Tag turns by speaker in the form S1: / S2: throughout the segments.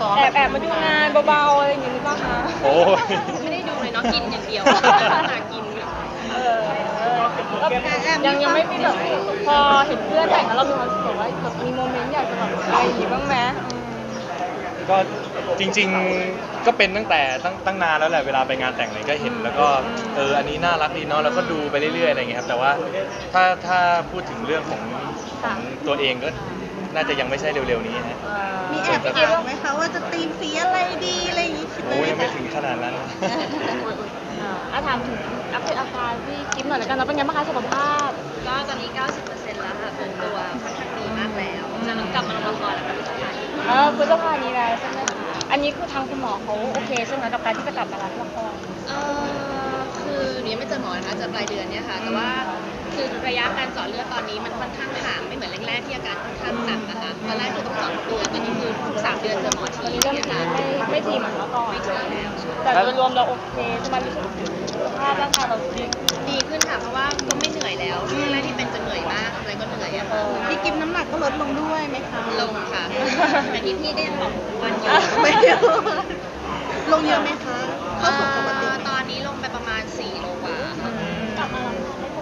S1: ซ้อม
S2: แอบมาดูงานเบาๆอะไรอย่างงี้หรือเปล่าคะ
S3: โอ้ย
S4: ไม่ได้ดูเลยเนาะกินอย่างเดียวหากิน
S2: ยังไม่มีแบบพอเห็นเพื่อนแต่งแล้วเรามีความรู้สึกว่าแบบมีโมเมนต์อยากจะแบบอะไรอย่างงี้บ้างไหม
S3: ก็จริงๆก็เป็นตั้งนานแล้วแหละเวลาไปงานแต่งอะไรก็เห็นแล้วก็อันนี้น่ารักดีเนาะแล้วก็ดูไปเรื่อยๆอะไรอย่างเงี้ยครับแต่ว่าถ้าพูดถึงเรื่องของตัวเองก็น่าจะยังไม่ใช่เร็วๆนี้ฮะ
S5: มีแอบคิดไหมคะว่าจะตีมสีอะไรดีอะไรอย่างงี้คิดไหม
S3: โอ้ยยังไม่
S5: คะ
S3: ถึงขนาดนั้น
S2: ถามถึงอัปเดตอาการพี่กิ๊ฟหน่อยแล้วกันนะเป็นไงบ้างคะสุขภาพ
S4: ก็ตอนนี้ 90%แล้วค่ะฟื้นตัวค่อนข้างดีมากแล้วจะกลับมาลงละครแล้วค่ะพี่สกาย
S2: พฤษภานี้แล้วใช่ไหมอันนี้คือทางคุณหมอเขาโอเคใช่ไหมกับการที่จะกลับมารับละคร
S4: คือหนูยังไม่เจอหมอนะคะเจอปลายเดือนเนี่ยค่ะแต่ว่าคือระยะการเจาะเลือดตอนนี้มันค่อนข้างห่างไม่เหมือนแรกๆที่อาการค่อนข้างหนักนะคะตอนแรกคือต้องเจาะทุกเดือนตอนนี้คือทุก3 เดือนเจอหมอ
S2: ต
S4: ที
S2: อนนี้เริ่ม
S4: เนี่ย
S2: ที
S4: ค่ะ
S2: ไม่ทีเหมือนเมื่อก่อน
S4: ไม่ทีแล้ว
S2: แต่โดยรวมเราโอเคใช่ไหมรู้สึกสุขภาพร่างกายเราดี
S4: ดีขึ้นค่ะเพราะว่าก็ไม่เหนื่อยแล้วช่วงแรกที่เป็นจะเหนื่อยมากอะไรก็เหนื่อยอะค่ะ
S5: พี่กิฟน้ำหนักก็ลดลงด้วยไหมคะ
S4: ลงค่ะแต่ที่พี่ก็ยังบอกวันอยู่
S5: ไม่เยอะลงเยอะไหมคะเข้าสู่ปกติ
S4: ตอนนี้ลงไปประมาณ4 โลกว่าค่ะ
S2: กลับมารับ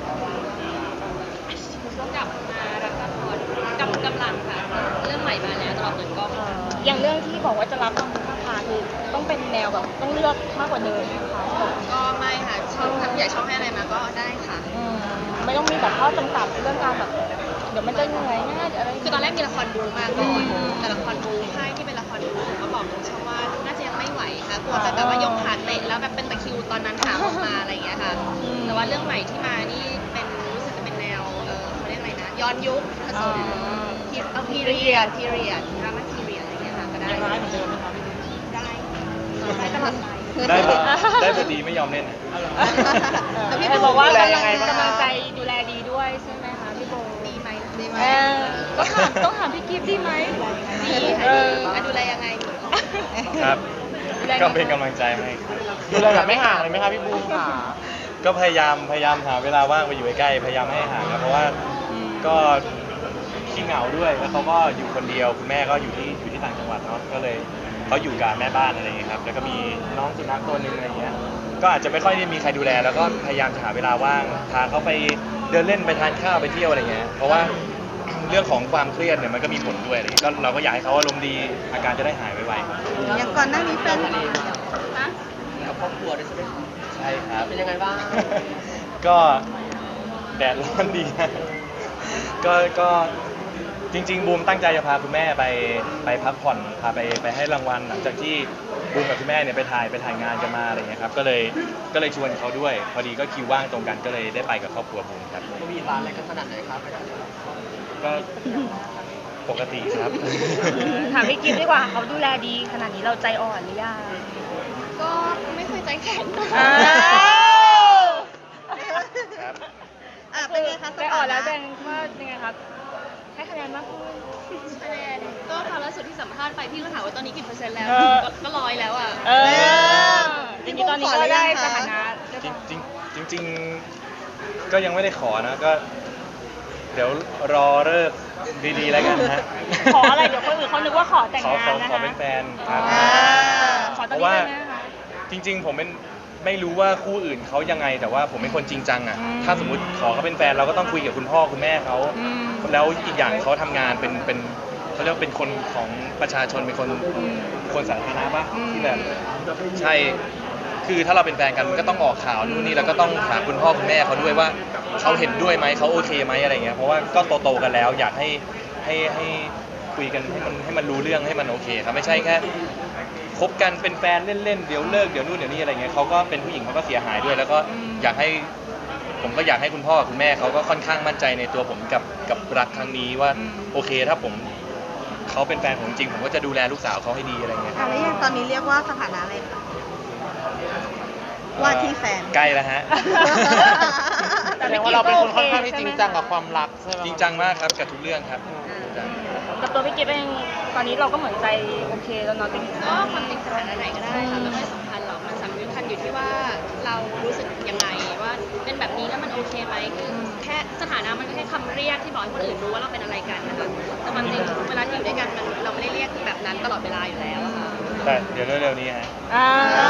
S4: กลับมารับละครกำลังค่ะเรื่องใหม่มาแล้วตลอดเปิดกล้อง
S2: อย่างเรื่องที่บอกว่าจะรับทางพฤษภาคือต้องเป็นแนวแบบต้องเลือกมากกว่าเดิมนะคะ
S4: ก็ไม่ค่ะช่องทำใหญ่ช่องให้อะไรมาก็ได้ค่ะ
S2: ไม่ต้องมีแบบข้อจำกัดเรื่องการแบบเดี๋ยวมันจะเหนื่อยง่ายอะไร
S4: คือตอนแรกมีละครบูมาก่อนแต่ละครบูค่ายที่เป็นละครบูก็บอกตรงช่องว่าน่าจะยังไม่ไหวค่ะกลัวจะแบบว่ายกขาเตะแล้วแบบเป็นตะคริวตอนนั้นหาออกมาอะไรอย่างเงี้ยค่ะแต่ว่าเรื่องใหม่ที่มานี่เป็นรู้สึกจะเป็นแนวเขาเรียกอะไรนะย้อนยุคผสมพีเรียดดราม่าพีเรียดอะไรอย่างเงี้ยค่ะก็ได้
S1: ยังร้ายเหมือนเดิมไหมครับ
S4: ได้ตลอดไป
S3: ได้บทดีไม่ยอมเล่น
S5: แต่พี่
S2: แต่
S5: โบ
S2: บอกว่ากำ
S1: ดูแลยังไงบ้าง
S2: ลังใจดูแลดีด้วยใช่ไหมคะพี่โบ
S4: ดีไหม
S5: ดีไหม
S2: ต้องถามพี่กิฟต์ดีไหม
S4: ดีค่ะดีดูแลยังไง
S3: ครับ ก็เป็นกำลังใจให้ครับ
S1: ดูแลแบบไม่ห่างเลยไหมครับพี่บูมค่ะ
S3: ก็พยายามหาเวลาว่างไปอยู่ใกล้ๆพยายามไม่ให้ห่างครับเพราะว่าก็ขี้เหงาด้วยแล้วเขาก็อยู่คนเดียวคุณแม่ก็อยู่ที่ต่างจังหวัดเนาะก็เลยเขาอยู่กับแม่บ้านอะไรอย่างเงี้ยครับแล้วก็มีน้องสุนัขตัวหนึงอะไรอย่างเงี้ยก็อาจจะไม่ค่อยได้มีใครดูแลแล้วก็พยายามจะหาเวลาว่างพาเขาไปเดินเล่นไปทานข้าวไปเที่ยวอะไรเงี้ยเพราะว่าเรื่องของความเครียดเนี่ยมันก็มีผลด้วยอะไรเงี้ยก็เราก็อยากให้เขาอารมณ์ดีอาการจะได้หายไว
S5: อย่างก่อนหน้านี้แฟน
S1: กับครอบครัวด้วยใช่ไหมครับ
S3: ๆใช่ครับ
S1: เป็นยังไงบ้าง
S3: ก็แดดร้อนดีนะก็จริงๆบูมตั้งใจจะพาคุณแม่ไปพักผ่อนพาไปให้รางวัลหลังจากที่บูมกับคุณแม่เนี่ยไปถ่ายงานกันมาอะไรเงี้ยครับก็เลยชวนเขาด้วยพอดีก็คิวว่างตรงกันก็เลยได้ไปกับครอบครัวบูมครับ
S1: มีร้านอะไรกันขนาดไหนครับ
S3: ก็ปกติครับ
S2: ถามพี่กิฟต์ดีกว่าเขาดูแลดีขนาดนี้เราใจอ่อนหรือยัง
S4: ก็ไม่เคยใจแข็ง
S3: ครับ
S5: เป็นไงคะ
S2: ใจอ่อนแล้วแดงว่ายังไงครับให้คะแนนมากขึ้น
S4: คะแนนก็คราวล่าสุดที่สัมภาษณ์ไปพี่ก็ถามว่าตอนนี้กี่เปอร์เซ็นต์แล้ว
S2: เออ
S4: ก็100แล้วอ่ะ
S2: จริงๆตอนนี้ก็ได้สถานะ
S3: จริงๆก็ยังไม่ได้ขอนะก็ เดี๋ยวรอเลิกดีๆแล้วกันนะฮะ
S2: ขออะไรเดี๋ยวคนอื่นเขานึกว่าขอแต่งงานนะคะ
S3: ขอเป็นแฟนครับ
S2: ขอตอนนี้ได้ไหมคะ
S3: จริงๆผมไม่รู้ว่าคู่อื่นเขายังไงแต่ว่าผมเป็นคนจริงจังอ่ะถ้าสมมติขอเขาเป็นแฟนเราก็ต้องคุยกับคุณพ่อคุณแม่เขาแล้วอีกอย่างเขาทำงานเป็นเขาเรียกว่าเป็นคนของประชาชนเป็นคนสาธารณะปะที่แบบใช่คือถ้าเราเป็นแฟนกันมันก็ต้องออกข่าวนู่นนี่แล้วก็ต้องถามคุณพ่อคุณแม่เขาด้วยว่าเขาเห็นด้วยไหมเขาโอเคไหมอะไรเงี้ยเพราะว่าก็โตๆกันแล้ว อยากให้คุยกันให้มันรู้เรื่องให้มันโอเคครับไม่ใช่แค่คบกันเป็นแฟนเล่นๆเดี๋ยวเลิกเดี๋ยวนู่นเดี๋ยวนี่อะไรเงี้ยเขาก็เป็นผู้หญิงเขาก็เสียหายด้วย แล้วก็ผมก็อยากให้คุณพ่อกับคุณแม่เขาก็ค่อนข้างมั่นใจในตัวผมกับรักครั้งนี้ว่าโอเคถ้าเขาเป็นแฟนผมจริงผมก็จะดูแลลูกสาวเขาให้ดีอะไรเงี้ย
S5: แล้วอย่างตอนนี้เรียกว่าสถานะอะไรคะว่าที่แฟน
S3: ใกล้แล้วฮะ
S1: แสดงว่าเราเป็นคนค่อนข้างที่จริงจังกับความรักใช่ไหม
S3: จริงจังมากครับกับทุกเรื่องครับ
S2: กับตัวพี่กิฟต์เองตอนนี้เราก็เหมือนใจโอเคแล้วเนาะจริง
S4: ก็ความจริงสถานะไหนก็ได้ค่ะไม่ค่อยสำคัญหรอกมันสำคัญอยู่ที่ว่าเรารู้สึกยังไงว่าเป็นแบบนี้แล้วมันโอเคไหมคือแค่สถานะมันก็แค่คำเรียกที่บอกให้คนอื่นรู้ว่าเราเป็นอะไรกันนะคะแต่ความจริงเวลาที่อยู่ด้วยกันเราไม่ได้เรียกแบบนั้นตลอดเวลาอยู่แล้วอะค่ะ
S3: แต่เดี๋ยวเร็วๆนี้ฮะ
S2: อ่า